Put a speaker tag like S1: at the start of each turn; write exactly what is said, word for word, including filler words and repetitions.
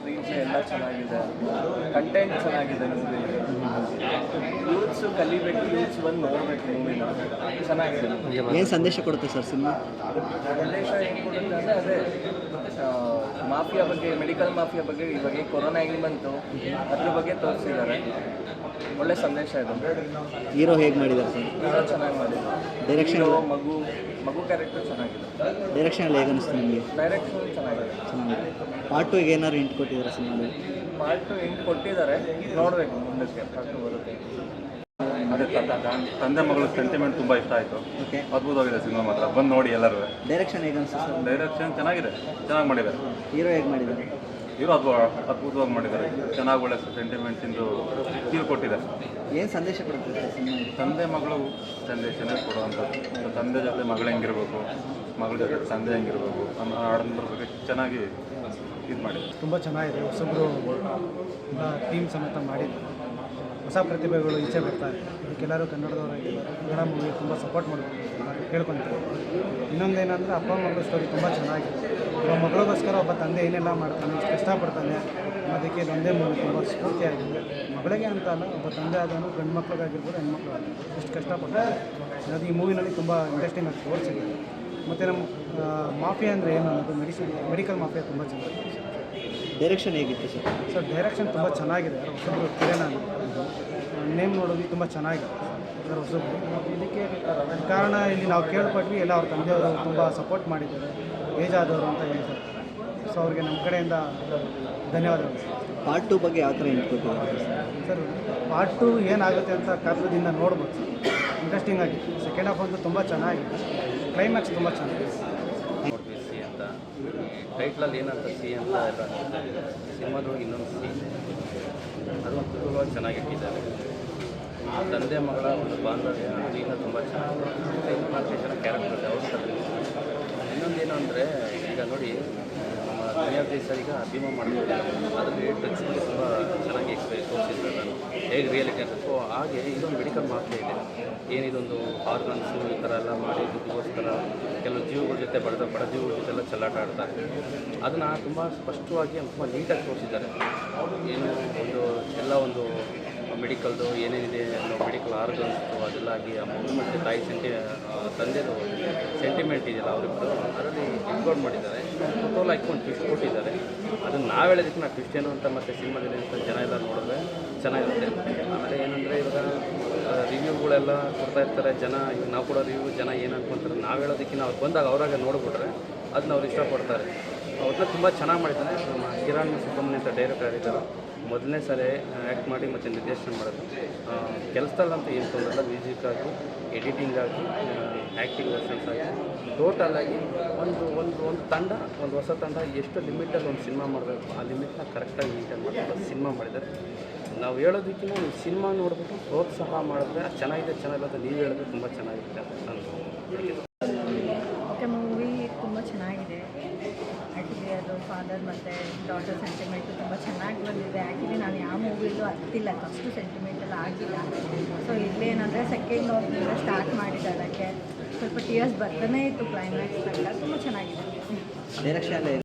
S1: Screen play ಎಲ್ಲ ಚೆನ್ನಾಗಿದೆ, content ಚೆನ್ನಾಗಿದೆ. ಮೂವಿಲಿ ಯೂತ್ಸ್ ಕಲಿಬೇಕು, ಯೂತ್ಸ್ ಬಂದು ನೋಡಬೇಕು ಮೂವಿನ. ಚೆನ್ನಾಗಿದೆ.
S2: ಏನು ಸಂದೇಶ ಕೊಡುತ್ತೆ ಸರ್ ಸಿನಿಮಾ?
S1: ಸಂದೇಶ ಏನು ಕೊಡುತ್ತೆ ಅಂದರೆ ಅದೇ ಮಾಫಿಯಾ ಬಗ್ಗೆ, ಮೆಡಿಕಲ್ ಮಾಫಿಯಾ ಬಗ್ಗೆ, ಇವಾಗ ಕೊರೋನಾ ಹೆಂಗೆ ಬಂತು ಅದ್ರ ಬಗ್ಗೆ ತೋರಿಸಿದ್ದಾರೆ. ಒಳ್ಳೆ ಸಂದೇಶ ಇದೆ.
S2: ಹೀರೋ ಹೇಗೆ ಮಾಡಿದ್ದಾರೆ ಸರ್?
S1: ಹೀರೋ ಚೆನ್ನಾಗಿ ಮಾಡಿದ್ದಾರೆ.
S2: ಡೈರೆಕ್ಷನ್
S1: ಮಗು ಮಗು ಕ್ಯಾರೆಕ್ಟರ್ ಚೆನ್ನಾಗಿದೆ.
S2: ಡೈರೆಕ್ಷನ್ ಎಲ್ಲ ಹೇಗೆ ಅನಿಸ್ತು ನಿಮಗೆ?
S1: ಡೈರೆಕ್ಷನ್ ಚೆನ್ನಾಗಿದೆ.
S2: ಚೆನ್ನಾಗಿದೆ. ಪಾರ್ಟ್ ಟು ಏನಾದ್ರು ಇಂಟ್ ಕೊಟ್ಟಿದ್ದಾರೆ ಸಿನಿಮಾದಲ್ಲಿ?
S1: ಪಾರ್ಟ್ ಟು ಎಂಟು ಕೊಟ್ಟಿದ್ದಾರೆ, ನೋಡಬೇಕು ಮುಂದಕ್ಕೆ ಪಾರ್ಟ್ ಟು ಬರುತ್ತೆ.
S3: ಅದೇ ತಂದೆ ಮಗಳ ಸೆಂಟಿಮೆಂಟ್ ತುಂಬ ಇಷ್ಟ ಆಯಿತು.
S2: ಓಕೆ,
S3: ಅದ್ಭುತವಾಗಿದೆ ಸಿನಿಮಾ ಮಾತ್ರ, ಬಂದು ನೋಡಿ ಎಲ್ಲರೂ.
S2: ಡೈರೆಕ್ಷನ್ ಹೇಗೆ ಅನಿಸ್ತು ಸರ್?
S3: ಡೈರೆಕ್ಷನ್ ಚೆನ್ನಾಗಿದೆ, ಚೆನ್ನಾಗಿ ಮಾಡಿದ್ದಾರೆ.
S2: ಹೀರೋ ಹೇಗೆ ಮಾಡಿದ್ದಾರೆ?
S3: ಹೀರೋ ಅದ್ಭುತ ಅದ್ಭುತವಾಗಿ ಮಾಡಿದ್ದಾರೆ. ಚೆನ್ನಾಗಿ ಒಳ್ಳೆ ಸೆಂಟಿಮೆಂಟ್ಸಿಂದು ಫೀಲ್ ಕೊಟ್ಟಿದ್ದಾರೆ.
S2: ಏನು ಸಂದೇಶ ಕೊಡುತ್ತೆ ಸರ್ ಸಿನಿಮಾ?
S3: ತಂದೆ ಮಗಳು ಸಂದೇಶನೇ ಕೊಡುವಂಥದ್ದು. ತಂದೆ ಜೊತೆ ಮಗಳು ಹೆಂಗಿರ್ಬೇಕು, ಮಗಳ ಜೊತೆ ತಂದೆ ಹೆಂಗಿರ್ಬೇಕು ಅನ್ನೋ ಆಡಂಬರ ಬಗ್ಗೆ ಚೆನ್ನಾಗಿ ಇದು ಮಾಡಿದ್ದಾರೆ.
S4: ತುಂಬ ಚೆನ್ನಾಗಿದೆ. ಹೊಸಬ್ರು ಟೀಮ್ ಸಮೇತ ಮಾಡಿದ್ದು, ಹೊಸ ಪ್ರತಿಭೆಗಳು ಈಚೆ ಬರ್ತಾರೆ. ಇದಕ್ಕೆಲ್ಲರೂ ಕನ್ನಡದವರಾಗಿ ಕನ್ನಡ ಮೂವಿ ತುಂಬ ಸಪೋರ್ಟ್ ಮಾಡಬೇಕು ಕೇಳ್ಕೊತಾರೆ. ಇನ್ನೊಂದೇನೆಂದರೆ ಅಪ್ಪ ಮಗಳ ಸ್ಟೋರಿ ತುಂಬ ಚೆನ್ನಾಗಿದೆ. ಒಬ್ಬ ಮಗಳಿಗೋಸ್ಕರ ಒಬ್ಬ ತಂದೆ ಏನೆಲ್ಲ ಮಾಡ್ತಾನೆ, ಎಷ್ಟು ಕಷ್ಟಪಡ್ತಾನೆ ಅದಕ್ಕೆ ಇದೊಂದೇ ಮೂವಿ ತುಂಬ ಸ್ಫೂರ್ತಿಯಾಗಿದೆ. ಮಗಳಿಗೆ ಅಂತ ಅಲ್ಲ, ಒಬ್ಬ ತಂದೆ ಆದನು ಗಂಡು ಮಕ್ಳಿಗಾಗಿರ್ಬೋದು ಹೆಣ್ಮಕ್ಳು ಎಷ್ಟು ಕಷ್ಟಪಡ್ತಾರೆ ಅದು ಈ ಮೂವಿನಲ್ಲಿ ತುಂಬ ಇಂಟ್ರೆಸ್ಟಿಂಗ್ ಆಗಿ ತೋರಿಸಿದೆ. ಮತ್ತು ನಮ್ಮ ಮಾಫಿಯಾ ಅಂದರೆ ಏನು ಅನ್ನೋದು ಮೆಡಿಸಿನ್ ಮೆಡಿಕಲ್ ಮಾಫಿಯಾ ತುಂಬ ಚೆನ್ನಾಗಿದೆ.
S2: ಡೈರೆಕ್ಷನ್ ಹೇಗಿತ್ತು ಸರ್?
S4: ಸರ್ ಡೈರೆಕ್ಷನ್ ತುಂಬ ಚೆನ್ನಾಗಿದೆ. ಹೊಸಬ್ರು ಕಿರಣ್ ನೇಮ್ ನೋಡೋದು ತುಂಬ ಚೆನ್ನಾಗಿದೆ ಸರ್ ಹೊಸಬ್ರು. ಇದಕ್ಕೆ ಕಾರಣ ಇಲ್ಲಿ ನಾವು ಕೇಳ್ಪಟ್ವಿ, ಎಲ್ಲ ಅವ್ರ ತಂದೆಯವರು ತುಂಬ ಸಪೋರ್ಟ್ ಮಾಡಿದ್ದಾರೆ, ಏಜ್ ಆದವರು ಅಂತ ಹೇಳ್ತಾರೆ. ಸೊ ಅವ್ರಿಗೆ ನಮ್ಮ ಕಡೆಯಿಂದ ಧನ್ಯವಾದಗಳು.
S2: ಪಾರ್ಟ್ ಟು ಬಗ್ಗೆ ಯಾವ ಥರ ಇಂಟ್ ಕೊಟ್ಟಿದ್ದಾರೆ
S4: ಸರ್? ಪಾರ್ಟ್ ಟು ಏನಾಗುತ್ತೆ ಅಂತ ಕಾರಣದಿಂದ ನೋಡ್ಬೋದು ಸರ್. ಇಂಟ್ರೆಸ್ಟಿಂಗ್ ಆಗಿತ್ತು. ಸೆಕೆಂಡ್ ಹಾಫ್ ಅಂತೂ ತುಂಬ ಚೆನ್ನಾಗಿದೆ. ಕ್ಲೈಮ್ಯಾಕ್ಸ್ ತುಂಬ ಚೆನ್ನಾಗಿದೆ.
S5: ಸಿ ಅಂತ ಟೈಟ್ಲಲ್ಲಿ ಏನಂತ ಸಿ ಅಂತ ಎಲ್ಲ ಸಿನಿಮಾದೊಳಗೆ ಇನ್ನೊಂದು ಸಿ ಅದು ಅದ್ಭುತವಾಗಿ ಚೆನ್ನಾಗಿಟ್ಟಿದ್ದಾರೆ. ತಂದೆ ಮಗಳ ಒಂದು ಬಾಂಧವ್ಯ ಅದರಿಂದ ತುಂಬ ಚೆನ್ನಾಗಿದೆ. ನಾಲ್ಕು ಜನ ಕ್ಯಾರೆಕ್ಟರ್ ಇದೆ ಅವ್ರ ಥರ. ಇನ್ನೊಂದೇನು ಅಂದರೆ ಈಗ ನೋಡಿ ನಮ್ಮ ದುನಿಯಾ ದೇಶ ಈಗ ಅಭಿಮಾನ ಮಾಡ್ತಿದ್ದಾರೆ, ಅದರಲ್ಲಿ ಡ್ರಗ್ಸ್ ಬಗ್ಗೆ ತುಂಬ ಚೆನ್ನಾಗಿ ತೋರಿಸಿದ್ದಾರೆ ನಾನು ಹೇಗೆ ರಿಯಾಲಿಟಿ ಅಂತ. ಸೊ ಹಾಗೆ ಇದೊಂದು ಮೆಡಿಕಲ್ ಮಾಫಿಯಾ ಇದೆ. ಏನಿದೊಂದು ಆರ್ಗನ್ಸು ಈ ಥರ ಎಲ್ಲ ಮಾಡಿ ದುಡ್ಡಿಗೋಸ್ಕರ ಕೆಲವು ಜೀವಗಳ ಜೊತೆ ಬಡದ ಬಡ ಜೀವಗಳ ಜೊತೆ ಎಲ್ಲ ಚೆಲ್ಲಾಟ ಆಡ್ತಾರೆ. ಅದನ್ನು ತುಂಬ ಸ್ಪಷ್ಟವಾಗಿ ತುಂಬ ನೀಟಾಗಿ ತೋರಿಸಿದ್ದಾರೆ. ಏನು ಒಂದು ಎಲ್ಲ ಒಂದು ಮೆಡಿಕಲ್ದು ಏನೇನಿದೆ ನಾವು ಮೆಡಿಕಲ್ ಆರ್ಗನ್ಸ್ದು ಅದೆಲ್ಲ ಆಗಿ ಆ ಮಗು ಮತ್ತು ತಾಯಿ ಸೆಂಟಿ ತಂದೆದು ಸೆಂಟಿಮೆಂಟ್ ಇದೆಯಲ್ಲ ಅವರಿಬ್ಬರು ಅದರಲ್ಲಿ ಇನ್ಕ್ಲೂಡ್ ಮಾಡಿದ್ದಾರೆ. ಫೋಟೋಲ್ ಹಾಕ್ಕೊಂಡು ಟ್ವಿಸ್ಟ್ ಕೊಟ್ಟಿದ್ದಾರೆ. ಅದನ್ನು ನಾವು ಹೇಳೋದಕ್ಕೆ ನಾವು ಟ್ವಿಸ್ಟ್ ಏನು ಅಂತ ಮತ್ತು ಸಿನಿಮಾದಲ್ಲಿ ಅಂತ ಜನ ಎಲ್ಲ ನೋಡಿದ್ರೆ ಚೆನ್ನಾಗಿರುತ್ತೆ. ಆಮೇಲೆ ಏನಂದರೆ ಇವಾಗ ರಿವ್ಯೂಗಳೆಲ್ಲ ಕೊಡ್ತಾ ಇರ್ತಾರೆ ಜನ. ಈಗ ನಾವು ಕೂಡ ರಿವ್ಯೂ ಜನ ಏನು ಅನ್ಕೊಂತಾರೆ, ನಾವು ಹೇಳೋದಕ್ಕಿಂತ ಅವ್ರು ಬಂದಾಗ ಅವರಾಗ ನೋಡಿಬಿಟ್ರೆ ಅದನ್ನ ಅವ್ರು ಇಷ್ಟಪಡ್ತಾರೆ. ಅವ್ರನ್ನ ತುಂಬ ಚೆನ್ನಾಗಿ ಮಾಡಿದ್ದಾನೆ. ನಮ್ಮ ಕಿರಣ್ ಸುಬ್ರಹ್ಮಣ್ಯ ಅಂತ ಡೈರೆಕ್ಟರ್ ಇದ್ದಾರೆ. ಮೊದಲನೇ ಸಾರಿ ಆ್ಯಕ್ಟ್ ಮಾಡಿ ಮತ್ತು ನಿರ್ದೇಶನ ಮಾಡೋದು. ಕೆಲಸದಲ್ಲಂತೂ ಏನು ತೊಂದರೆಲ್ಲ, ಮ್ಯೂಸಿಕ್ ಆಗಿ, ಎಡಿಟಿಂಗ್ ಆಗಿ, ಆ್ಯಕ್ಟಿಂಗ್ ವರ್ಷನ್ಸ್ ಆಗಿ, ಟೋಟಲಾಗಿ ಒಂದು ಒಂದು ಒಂದು ತಂಡ, ಒಂದು ಹೊಸ ತಂಡ ಎಷ್ಟು ಲಿಮಿಟಲ್ಲಿ ಒಂದು ಸಿನಿಮಾ ಮಾಡಬೇಕು ಆ ಲಿಮಿಟ್ನ ಕರೆಕ್ಟಾಗಿ ಮೇಂಟೈನ್ ಮಾಡ್ಕೊಂಡು ಸಿನಿಮಾ ಮಾಡಿದ್ದಾರೆ. ನಾವು ಹೇಳೋದಕ್ಕಿಂತ ನೀವು ಸಿನಿಮಾ ನೋಡಿಬಿಟ್ಟು ಪ್ರೋತ್ಸಾಹ ಮಾಡಿದ್ರೆ ಚೆನ್ನಾಗಿದೆ ಚೆನ್ನಾಗಿಲ್ಲ ನೀವು ಹೇಳಿದ್ರೆ ತುಂಬ ಚೆನ್ನಾಗಿರುತ್ತೆ ಅಂತ ನಾನು.
S6: ಓಕೆ, ಮೂವಿ ತುಂಬ ಚೆನ್ನಾಗಿದೆ. ಆ್ಯಕ್ಚುಲಿ ಅದು ಫಾದರ್ ಮತ್ತು ಡಾಟರ್ ಸೆಂಟಿಮೆಂಟು ತುಂಬ ಚೆನ್ನಾಗಿ ಬಂದಿದೆ. ಆ್ಯಕ್ಚುಲಿ ನಾನು ಯಾವ ಮೂವಿಲೂ ಹತ್ತಿಲ್ಲ, ಅಷ್ಟು ಸೆಂಟಿಮೆಂಟೆಲ್ಲ ಆಗಿಲ್ಲ. ಸೊ ಇಲ್ಲೇನಂದರೆ ಸೆಕೆಂಡ್ ಹಾಫ್ನಿಂದ ಸ್ಟಾರ್ಟ್ ಮಾಡಿದ್ದಾರೆ. ಅದಕ್ಕೆ ಸ್ವಲ್ಪ ಟಿಯರ್ಸ್ ಬರ್ತಾನೆ ಇತ್ತು ಕ್ಲೈಮ್ಯಾಕ್ಸ್ ತನಕ. ತುಂಬ ಚೆನ್ನಾಗಿದೆ.
S2: ಡೈರೆಕ್ಷನ್